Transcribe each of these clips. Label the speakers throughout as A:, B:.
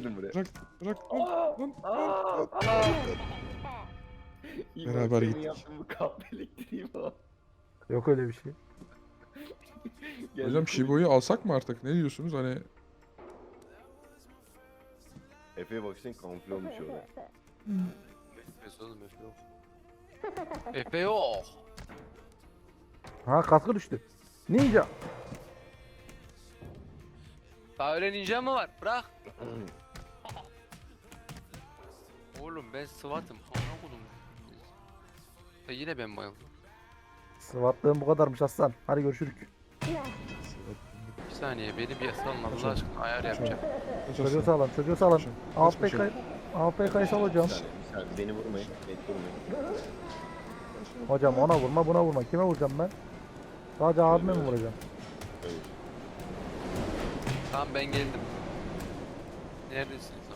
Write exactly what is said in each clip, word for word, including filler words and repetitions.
A: dedim buraya.
B: Bırak bırak lan lan
A: Aa,
B: lan.
A: aa. İyi
B: Beraber
A: bak, senin
B: gittik.
A: yaptığın bu kahve elektriği falan.
C: Yok öyle bir şey.
A: Geldi
B: Hocam
A: komik.
B: Shibu'yu alsak mı artık? Ne diyorsunuz? Hani
A: Efe'ye bak sen kamufle olmuş orada.
D: Efe oğlum Efe yok. Efe yok.
C: Ha kaskı düştü. Ninja.
D: Daha öyle ninja mı var? Bırak. Oğlum ben SWAT'ım. Amına kodum. Ha, yine ben bayıldım.
C: Sıvatlığın bu kadarmış Hasan. Hadi görüşürük.
D: Bir saniye beni bir salın Allah aşkına ayar yapacağım.
C: Çocuğu sağlam, çocuğu sağlam.
B: Kaçın,
C: A
B: kaç,
C: P K, A P K'yı sal hocam.
A: Bir saniye, bir saniye. Beni vurmayın. Beni vurmayın.
C: Hocam ona vurma, buna vurma. Kime vuracağım ben? Sadece abime mi vuracağım?
A: Hayır.
D: Tamam ben geldim. Neredesiniz lan?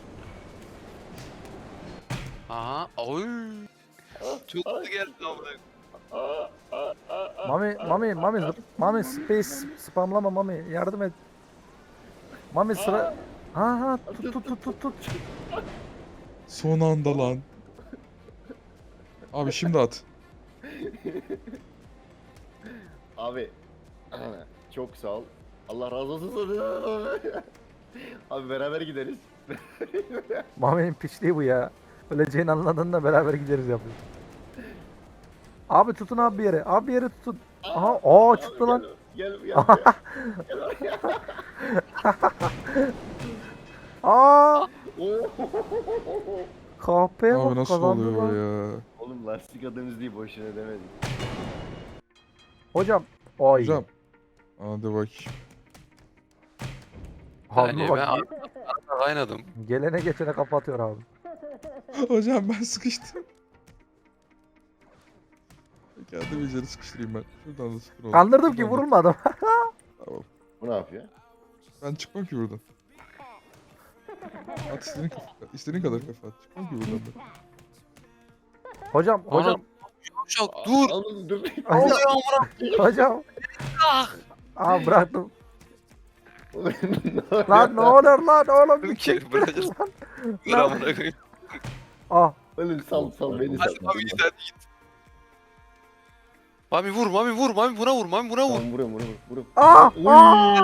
D: Aha. Oy. Çok hızlı geldi amına.
A: Aa, aa, aa, aa.
C: Mami, Mami, Mami, zıp- Mami space spamlama Mami. Yardım et. Mami sıra... Ha ha tut tut tut tut tut.
B: Son anda lan. Abi şimdi at.
A: Abi. Çok sağ ol. Allah razı olsun. Abi beraber gideriz.
C: Mami'nin piçliği bu ya. Öleceğini anladığında beraber gideriz yapıyor. Abi tutun abi bir yere. Abi bir yere tutun. Aha, aa çıktı lan.
A: Gel, gel, gel. buraya. Gel oraya.
C: Aa!
A: Oo.
C: Kahpeye
B: Abi
C: bak
B: nasıl
C: kazandı
B: oluyor
C: lan.
B: ya?
A: Oğlum lastik adamız değil, boşuna demedim.
C: Hocam. Ay.
B: Hocam. Hadi bak.
C: Abi
D: Yani
C: bak.
D: ben arada kaynadım.
C: Gelene geçene kapatıyor abi.
B: Hocam ben sıkıştım. Kendimi içeri sıkıştırayım ben. Şuradan da sıfır oldu.
C: Kandırdım ki
B: Şuradan da-
C: vurulmadım.
B: Tamam.
A: Bu ne yapıyor?
B: Ben çıkmam ki buradan. At istediğin kadar, istediğin kadar kafa at. Çıkmam ki buradan ben.
C: Hocam, hocam,
D: Çok dur.
A: Oğlum dur.
D: Ne oluyor amına?
C: hocam.
D: Ah.
C: Aa bıraktım.
A: Lan
C: Lan ne olur lan oğlum bir
D: Dur
C: çek.
D: ki bırakırsın. Dur
C: Lan.
D: amına koyayım.
C: Ah.
A: Oğlum sal sal beni sal.
D: Hadi Mami git hadi git. Mami vur Mami vur Mami buna vur Mami buna vur.
A: Tamam vuruyorum vuruyorum vuruyorum.
C: Ah. Ah.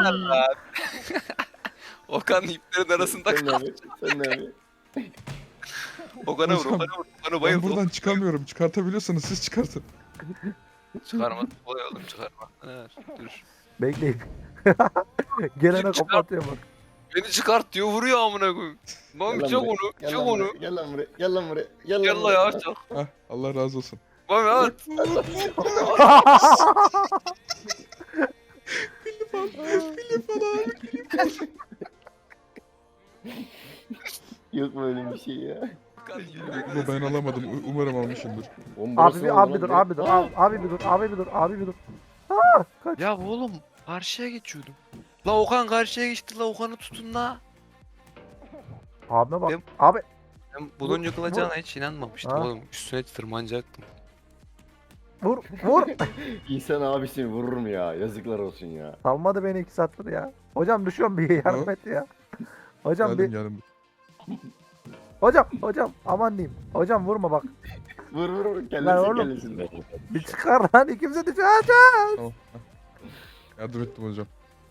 D: Okan iplerin arasında
A: Sen ne
D: kal.
A: abi? Sen ne abi?
D: Okan'a vur
B: Hocam,
D: Okan'a vur. Okan'ı
B: Ben
D: bayıldı.
B: buradan çıkamıyorum. Çıkartabiliyorsanız siz çıkartın.
D: Çıkarma. Kolay oğlum çıkarma. Ha, dur.
C: Bekleyin. Gelene
D: Çıkar.
C: kapatıyor bak.
D: Beni çıkart diyor vuruyor amına koyayım. Mami
A: Gel
D: çek
A: lan
D: onu.
A: buraya, gel
D: Çek
A: lan
D: onu.
A: buraya, Gel lan buraya. Gel lan buraya. Gel lan
D: Gel la
A: buraya.
D: ya çak.
B: Hah Allah razı olsun.
D: Mami at.
A: Yok böyle bir şey ya.
B: Bunu ben alamadım. U- Umarım almışımdır.
A: Oğlum burası
C: Abi bir
A: oldu
C: abi
A: lan
C: dur
A: be.
C: abi dur abi, abi bir dur abi bir dur abi bir dur. Ah, kaç.
D: Ya oğlum karşıya geçiyordum. La Okan karşıya geçti la Okan'ı tutun la.
C: Abime bak.
D: Ben-
C: Abi
D: Ben bulunca
C: Bu-
D: kılacağına hiç inanmamıştım
C: Ha?
D: oğlum. Üstüne tırmanacaktım.
C: vur vur.
A: İnsan abisini vurur mu ya? Yazıklar olsun ya.
C: Salmadı beni iki saattir ya. Hocam düşüyorum bir yardım et ya. Hocam
B: Geldim
C: bir
B: geldim.
C: hocam hocam aman diyeyim. Hocam vurma bak.
A: Vur vur vur.
C: Lan
A: Kellesi
C: oğlum.
A: kellesinden.
C: Bir çıkar lan ikimize düşüyor. Hocam.
B: Tamam. hah. Yardım ettim hocam.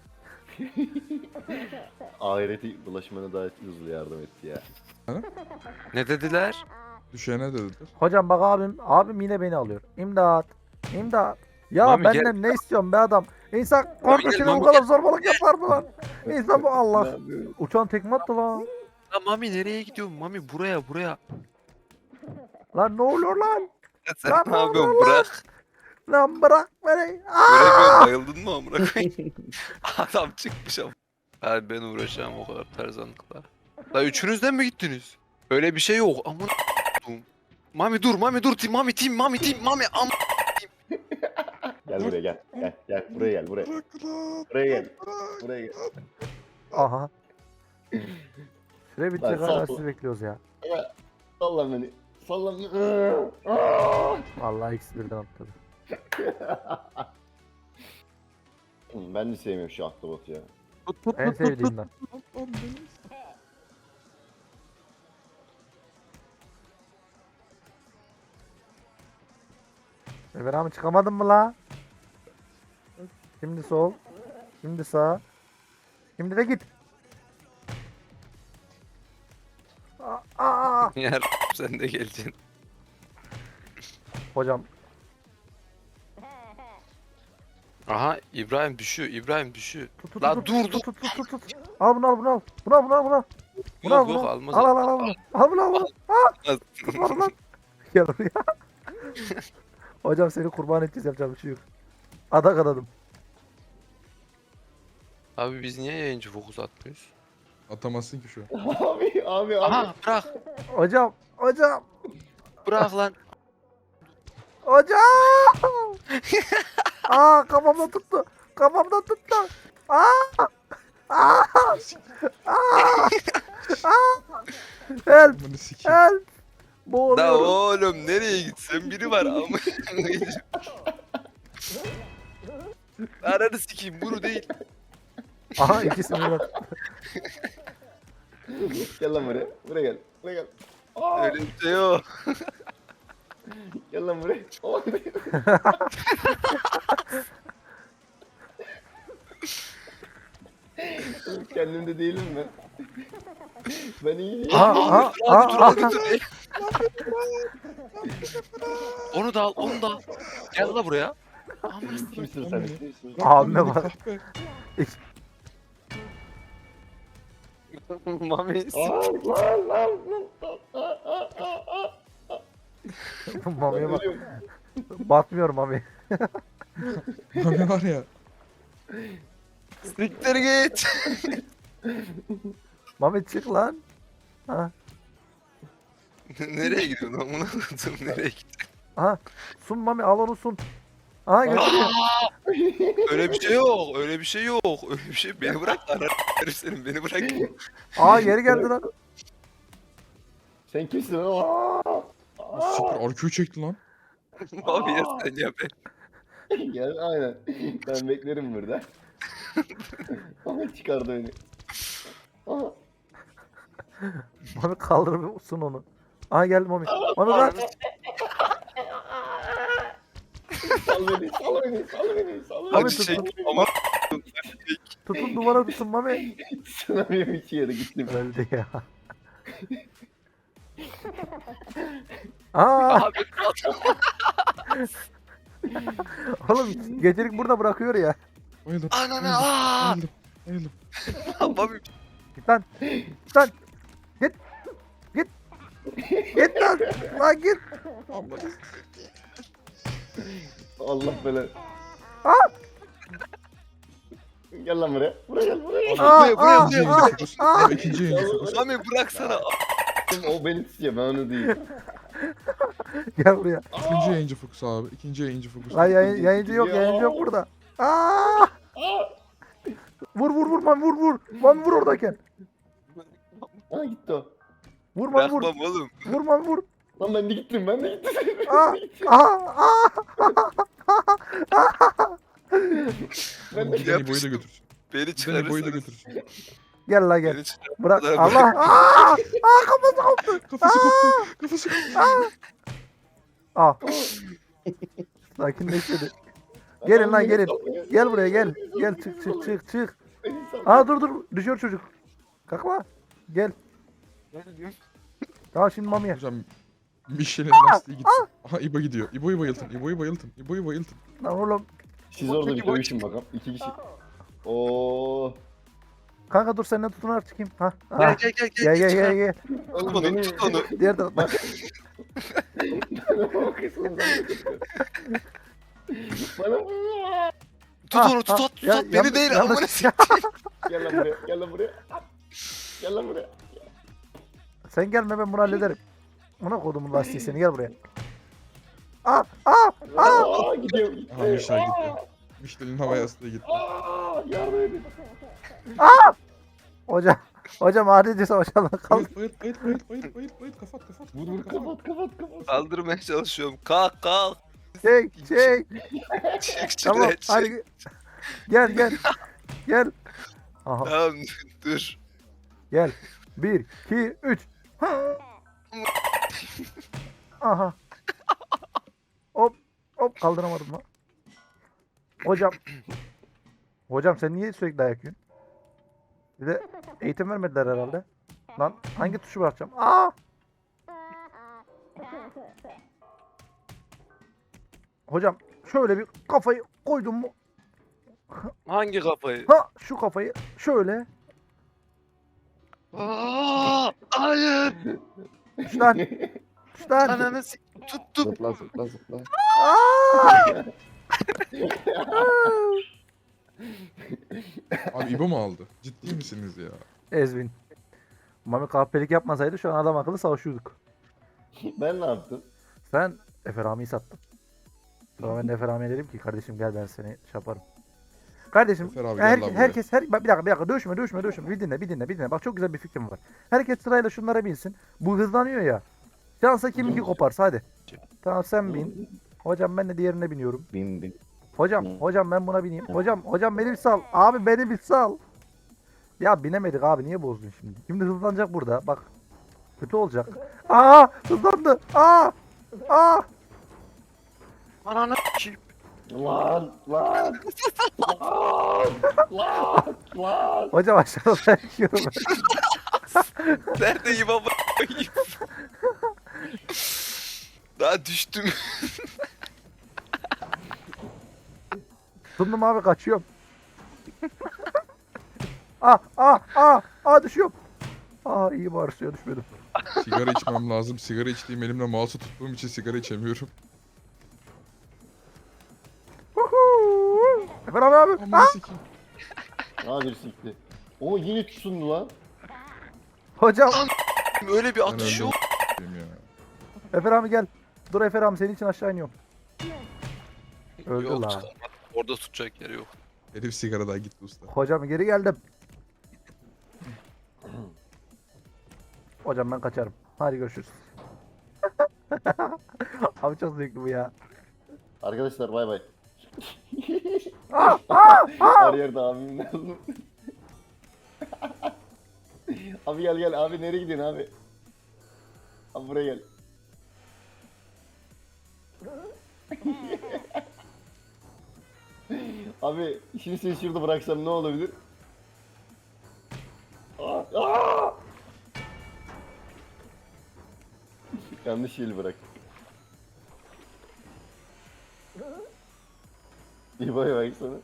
A: Ahireti bulaşmana daha hızlı yardım etti ya.
D: Ne dediler?
B: Düşene dediler.
C: Hocam bak abim abim yine beni alıyor. İmdat. İmdat. Ya
D: Mami gel.
C: benden ne istiyorsun be adam? İnsan
D: gel,
C: kardeşine bu
D: Mami
C: kadar zorbalık yapar mı lan? İnsan bu
A: Ne
C: Allah.
A: yapıyorsun?
C: Uçan tekme attı lan.
D: La Mami nereye gidiyorsun? Mami buraya buraya.
C: Lan ne oluyor lan?
D: Ya sen
C: Lan
D: ne
C: ne
D: yapıyorsun?
C: oluyor lan?
D: Bırak.
C: Lan bırak beni. Aa!
D: Göremiyorum bayıldın mı amına koyayım? Adam çıkmış ama. Hadi ben uğraşacağım o kadar tarzanlıkla. La üçünüzden mi gittiniz? Öyle bir şey yok. Amına koyayım. Mami dur Mami dur. Tim, Mami tim Mami tim Mami am.
A: Gel buraya gel. Gel gel buraya gel buraya.
B: Bırak lan.
A: Buraya gel. Buraya gel.
C: Aha. Süre bitecek
A: Lan
C: hala
A: sağ ol.
C: sizi bekliyoruz ya.
A: Salla beni. Salla beni. Aa!
C: Vallahi ikisi birden atladı.
A: Ben de sevmiyorum şu ahtapotu ya.
D: Tut tut
C: En
D: tut tut tut.
C: sevdiğimden.
B: Lan benim-
C: Emir abi çıkamadın mı la? Şimdi sol. Şimdi sağ. Şimdi de git. Aa, aa.
D: Yer sen de geleceksin.
C: Hocam
D: Aha İbrahim düşüyor. İbrahim düşüyor.
C: tut tut
D: La
C: tut,
D: dur,
C: tut,
D: dur.
C: tut tut tut tut. Al bunu al bunu al. Bunu al bunu al bunu al. Bunu al
D: Yok
C: bunu
D: yok
C: al.
D: almaz.
C: Al al al al bunu. Al bunu al bunu.
D: Almaz.
C: Tutma lan. Gel oraya. Hocam seni kurban edeceğiz, yapacak bir şey yok. Adak adadım.
D: Abi biz niye yayıncı fokus atmıyoruz?
B: Atamazsın ki şu an.
A: Abi abi abi.
D: Aha bırak.
C: Hocam hocam
D: Bırak lan.
C: hocam. Aa kafamda tuttu. Kafamda tuttu. Aa. Aa. Aa. Aa. Help
B: Amanı sikeyim.
C: help.
D: Da
C: Boğuluyorum.
D: oğlum nereye gitsen biri var ama. Ananı sikeyim bunu değil.
C: Aha ikisini de.
A: Gel lan buraya. Buraya gel. Buraya gel. Aa,
D: Öyle bir şey yok.
A: gel lan buraya. Aman be. Oğlum, kendimde değilim ben. Ben iyiyim.
C: Aha aha
D: Abi dur
C: aha.
D: abi dur. Onu da al onu da al. Gel la buraya.
A: Kimsin sen? Kimsin?
C: Abime bak.
B: Kahpe.
D: Mami.
A: Aa, lan lan lan. Aa, aa, aa, aa.
C: Mamiye
A: Ben
C: bak.
A: ölüyorum.
C: Batmıyorum Mami.
B: Mami var ya.
D: Siktir git.
C: Mami çık lan. Ha.
D: Nereye gidiyorsun lan bunu? Nereye gidiyorsun?
C: Aha. Sun Mami, al onu sun. Aha götürüyor.
D: Öyle bir şey yok. Öyle bir şey yok. Öyle bir şey. Beni bırak. Ana herif senin. Beni bırak.
C: Aa geri geldi lan.
A: Sen kimsin lan? Aa!
B: Siktir R Q çekti lan.
D: Abi ya sen ya ben.
A: Gel aynen. Ben beklerim burada. Ama çıkardı beni. Aa,
C: Mami kaldırıp sun onu. Aha geldi Mami. Mami kaç.
A: sal beni, sal beni, sal beni, sal beni.
C: Abi
D: Hadi
C: tut,
D: çek.
C: tut.
D: Ama
C: Tutun duvara tutun Mami.
A: Sınavıyorum iki yere gittim.
C: Öldü ya. Aa
D: abi
C: oğlum gecelik burada bırakıyor ya.
B: Bayıldım.
D: ananı aa.
B: Bayıldım. Bayıldım.
D: Abi
C: Git lan. Git lan. Git. Git. Git lan. Lan git.
A: Allah belanı.
C: Aa.
A: Gel lan buraya. Buraya gel, buraya gel.
C: Aa,
D: buraya, buraya,
C: aa,
B: İkinci
C: aa,
B: yayıncı fokus.
C: aa.
B: Abi ikinci yayıncı fokus.
D: Mami bıraksana.
A: O beni tutuyor, ben onu değil.
C: Gel buraya.
B: İkinci yayıncı fokus abi. İkinci yayıncı fokus.
C: Lan yayın, yayıncı yok, yayıncı yok burada. Aa! Vur vur vur Mami vur vur. Mami vur oradayken.
A: Aa gitti o.
C: Vur Mami vur.
D: Bırakmam oğlum.
C: Vur Mami vur.
A: Lan ben de gittim, ben de gittim.
C: Aa! Aa! Aa!
A: Ben de
B: Giden İbo'yu da götürsün.
D: Beni
B: Giden İbo'yu da
D: çıkarırsanız.
B: götürsün.
C: Gel la gel.
D: Beni çıkar.
C: Bırak.
D: Bırak.
C: Allah. Aa! Aa kafası koptu.
B: Kafası koptu. Kafası koptu.
C: Aa. Sakinleşti. Gelin lan gelin. Gel buraya gel. Gel çık çık çık çık. Aa dur dur. Düşüyor çocuk. Kalkma. Gel. Tamam şimdi Mami'ye.
B: Hocam Michelin lastiği gitti. Aha İbo gidiyor. İbo'yu bayıltın. İbo'yu bayıltın. İbo'yu bayıltın.
C: Lan oğlum.
A: Siz orada bir dövüşün bakalım. İki kişi. Oo.
C: Kanka dur seninle tutunarak çıkayım. Ha.
D: Gel
C: ha.
D: gel gel gel.
C: Gel gel gel gel.
D: Tut
A: Oğlum
D: onu
A: beni...
D: tut onu.
C: Diğer taraftan.
A: o kısmından Bana...
D: Tut
C: Ah,
D: onu tut
C: ah,
D: tut
C: ya-
D: tut. Beni
C: yanlış-
D: değil
C: yanlış-
D: amına sikeyim.
A: Gel lan buraya, gel lan buraya. Gel lan buraya.
C: Sen gelme ben bunu hallederim. Buna kodumun lastiği seni gel buraya. Aa aa aa.
A: Aa gidiyor, gitti.
B: Aha Michelin gitti. Michelin hava yastığı gitti.
A: Aa, yardım edin.
C: Hocam. Hocam adice savaşalım. Kalk.
B: Bayılt bayılt bayılt bayılt bayılt bayılt bayılt kafat kafat. Vur vur kafat.
A: Kapat, kapat, kapat.
D: Kaldırmaya çalışıyorum. Kalk kalk.
C: Çek çek.
D: Çık
C: Tamam
D: şuraya çık.
C: hadi. Gel gel. Gel. Aha
D: Tamam dur.
C: gel. Bir, iki, üç. Aha. Hop Hop kaldıramadım lan. Hocam. Hocam sen niye sürekli dayak yiyorsun? Bir de eğitim vermediler herhalde. Lan hangi tuşu bırakacağım? Aa! Hocam şöyle bir kafayı koydum mu?
D: Hangi kafayı?
C: Ha şu kafayı şöyle.
D: Aa, hayır.
C: Şuradan. Şuradan.
D: Ananı s- tuttum.
A: Zıpla zıpla zıpla.
C: Aa!
B: Abi İbo mu aldı? Ciddi misiniz ya?
C: Ezvin. Mami kahpelik yapmasaydı şu an adam akıllı savaşıyorduk.
A: Ben ne yaptım?
C: Sen Efe Rami'yi sattın. Sonra ben de Efe Rami'ye dedim ki kardeşim gel ben seni şey yaparım. Kardeşim
B: Efer abi,
C: her,
B: gel lan buraya.
C: herkes her bak bir dakika bir dakika dövüşme dövüşme dövüşme bir dinle bir dinle bir dinle. Bak çok güzel bir fikrim var. Herkes sırayla şunlara binsin. Bu hızlanıyor ya. Şansa kiminki koparsa hadi. Tamam sen bin. Hocam ben de diğerine biniyorum.
A: Bin bin.
C: Hocam hocam ben buna bineyim. Hocam hocam beni bir sal. Abi beni bir sal. Ya binemedik abi niye bozdun şimdi? Şimdi hızlanacak burada bak. Kötü olacak. Aa hızlandı. Aa. Aa.
D: Ananı s**eyim.
A: Lan lan. Lan lan lan.
C: Hocam aşağıda ben yiyorum.
D: Neredeyim ama koyayım. Daha düştüm.
C: Tutundum abi kaçıyorum. ah ah ah ah düşüyorum. Ah iyi bari suya düşmedim.
B: Sigara içmem lazım. Sigara içtiğim elimle mouse'u tuttuğum için sigara içemiyorum.
C: Huhu. Efendim abi.
B: Aman
C: Ah!
B: sikeyim.
A: Hadi sikti. O yine tutundu lan.
C: Hocam.
D: Öyle bir
B: Ben
D: atış
B: öldüm
D: yok.
B: s**eyim ya.
C: Efer abi gel. Dur Efer abi senin için aşağı iniyorum. Öldü
D: Yok,
C: lan.
D: çıkamadım. Orada tutacak yeri yok.
B: Herif sigaradan gitti usta.
C: Hocam geri geldim. Hocam ben kaçarım. Hadi görüşürüz. Abi çok zevkli bu ya.
A: Arkadaşlar bay bay.
C: Ah, ah, ah.
A: Her yerde abim lazım. Abi gel gel abi nereye gidiyorsun abi? Abi buraya gel. Abi şimdi seni şurada bıraksam ne olabilir? Aa, aa! Yanlış yeri bırak. İyi bay bay sana.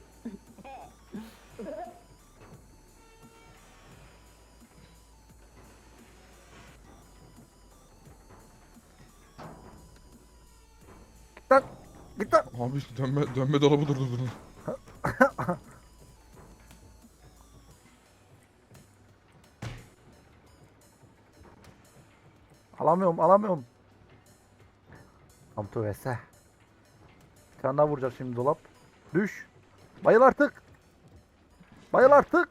C: Lan git lan.
B: Abi dönme, dönme dolabı durdurdun.
C: Alamıyorum alamıyorum. Amtu vese. Bir tane daha vuracak şimdi dolap. Düş. Bayıl artık. Bayıl artık.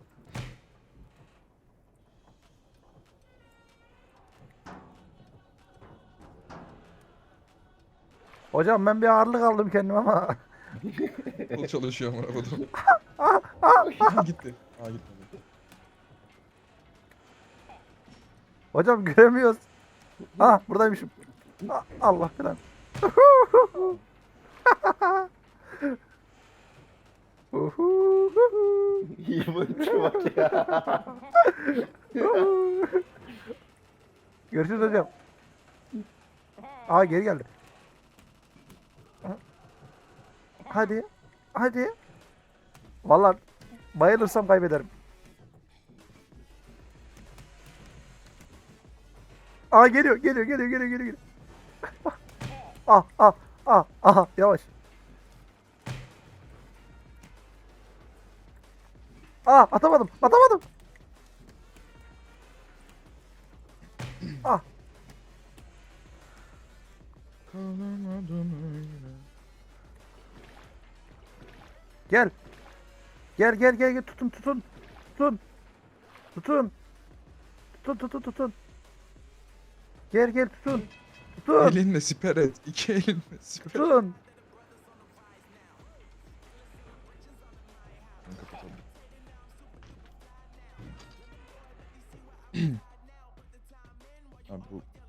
C: Hocam ben bir ağırlık aldım kendime ama.
B: Kol çalışıyor amına kodum. Aha gitti. Aa gitmedi.
C: Hocam göremiyoruz. Ah buradaymışım. Ah, Allah falan.
A: İyi boyunca bak ya.
C: Görüşürüz hocam. Aa geri geldi. Hadi. Hadi. Vallahi bayılırsam kaybederim. Aa geliyor, geliyor, geliyor, geliyor, geliyor. geliyor. ah, ah, ah, ah, yavaş. Ah, atamadım, atamadım. Ah,
B: Kalamadım öyle.
C: gel. Gel, gel, gel, gel. Tutun, tutun. Tutun. Tutun. Tutun, tutun, tutun. Gel, gel, tutun. Tutun.
B: Elinle siper et. İki elinle siper et.
C: Tutun.
B: Ben kapatalım. Abi bu